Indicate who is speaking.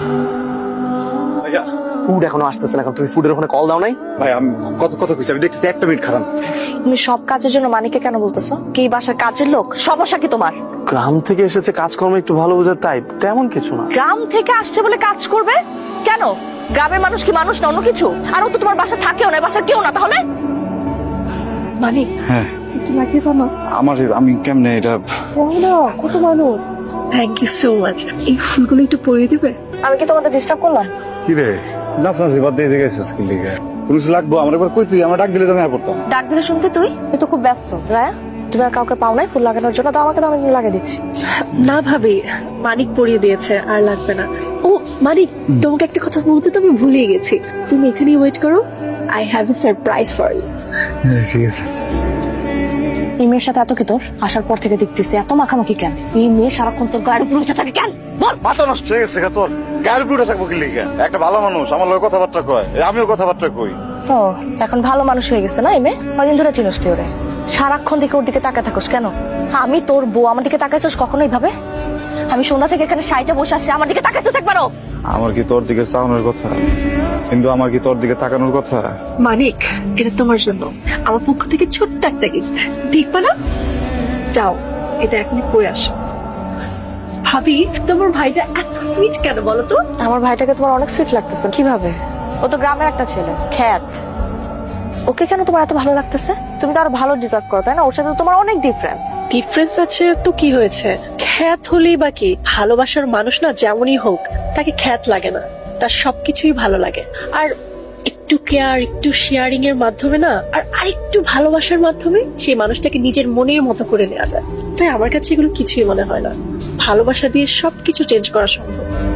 Speaker 1: ভাইয়া
Speaker 2: ফুড এখনো আসতেছে না, তুমি ফুডের ওখানে কল দাও নাই?
Speaker 1: ভাই আমি কত কত কইছি, আমি দেখতেছি 1 মিনিট খারাপ।
Speaker 3: তুমি সব কাজের জন্য মানিককে কেন বলতেছো? কি বাসার কাজের লোক? সমস্যা কি তোমার?
Speaker 2: গ্রাম থেকে এসেছে, কাজকর্ম একটু ভালো বোঝার, তাই তেমন কিছু না।
Speaker 3: গ্রাম থেকে আসছে বলে কাজ করবে কেন? গ্রামের মানুষ কি মানুষ না অন্য কিছু? আর ও তো তোমার বাসা থাকেও না, বাসার কেউ না, তাহলে মানিক
Speaker 1: হ্যাঁ
Speaker 3: লাগে জানো
Speaker 1: আমি কেমনে এটা?
Speaker 3: কত মানুষ।
Speaker 4: Thank you so much. এই ফুলগুলো একটু পরিয়ে দিবে?
Speaker 3: আমি কি তোমাদের ডিস্টার্ব করলাম?
Speaker 1: কি রে নাচনাচি বাদ দিয়ে গেছিস কি লিগে? পুলিশ লাগবো আমার, একবার কই তুই আমার ডাক দিলে তো আমি আর করতাম।
Speaker 3: ডাক দিলে শুনতে তুই তো খুব ব্যস্ত। রায়া, তুমি আর কাউকে পাও নাই ফুল লাগানোর জন্য? তো আমাকে তো আমি লাগিয়ে দিচ্ছি।
Speaker 4: না ভাবি, মানিক পরিয়ে দিয়েছে, আর লাগবে না। ও মানিক, তোমাকে একটা কথা বলতে তো আমি ভুলিয়ে গেছি। তুমি এখানেই ওয়েট করো, I have a surprise for you.
Speaker 1: ঠিক আছে।
Speaker 3: এই মেয়ের সাথে এত কি তোর? আসার পর থেকে দেখতেছি এত মাখামাখি কেন? এই মেয়ে সারাক্ষণ তোর গায়ের উপর উঠে থাকে কেন? বল।
Speaker 1: মাথা নষ্ট হয়ে গেছে তোর, গায়ের উপরে থাকবো কি লিগে? একটা ভালো মানুষ আমার লগে কথাবার্তা কয়, আমিও কথাবার্তা কই।
Speaker 3: ও এখন ভালো মানুষ হয়ে গেছে না এই মেয়ে? কদিন ধরে চিনস তুই ওরে? সারাক্ষণ দিকে ওর দিকে তাকায় থাকোস কেন? আমি তোর বউ, আমার দিকে তাকাইছস কখনোই ভাবে? আমি সন্ধ্যা থেকে এখানে সাইজা বসে আসছি, আমার দিকে তাকাইছস একবারও?
Speaker 1: আমার কি তোর দিকে চাওয়ানোর কথা, কিন্তু আমার কি তোর দিকে তাকানোর কথা?
Speaker 4: মানিক, এটা তোমার জন্য আমার পক্ষ থেকে ছোট্ট একটা গিফট, দেখবা না? যাও, এটা এখনই পরে আসো। ভাবি, তোমার ভাইটা এত সুইট কেন বলো তো?
Speaker 3: আমার ভাইটাকে তোমার অনেক সুইট লাগতেছে। কিভাবে? ও তো গ্রামের একটা ছেলে, খ্যাত। ওকে কেন তোমার এত ভালো লাগতেছে? তুমি তো আরো ভালো ডিজার্ভ করো, তাই না? ওর সাথে তো তোমার অনেক ডিফারেন্স।
Speaker 4: ডিফারেন্স আছে তো কি হয়েছে? খ্যাত হলেই বা কি? ভালোবাসার মানুষ না যেমনই হোক, তাকে খ্যাত লাগে না, তার সবকিছুই ভালো লাগে। আর একটু কেয়ার, একটু শেয়ারিং এর মাধ্যমে না, আর আরেকটু ভালোবাসার মাধ্যমে সেই মানুষটাকে নিজের মনের মতো করে নেওয়া যায়। তাই আমার কাছে এগুলো কিছুই মনে হয় না। ভালোবাসা দিয়ে সবকিছু চেঞ্জ করা সম্ভব।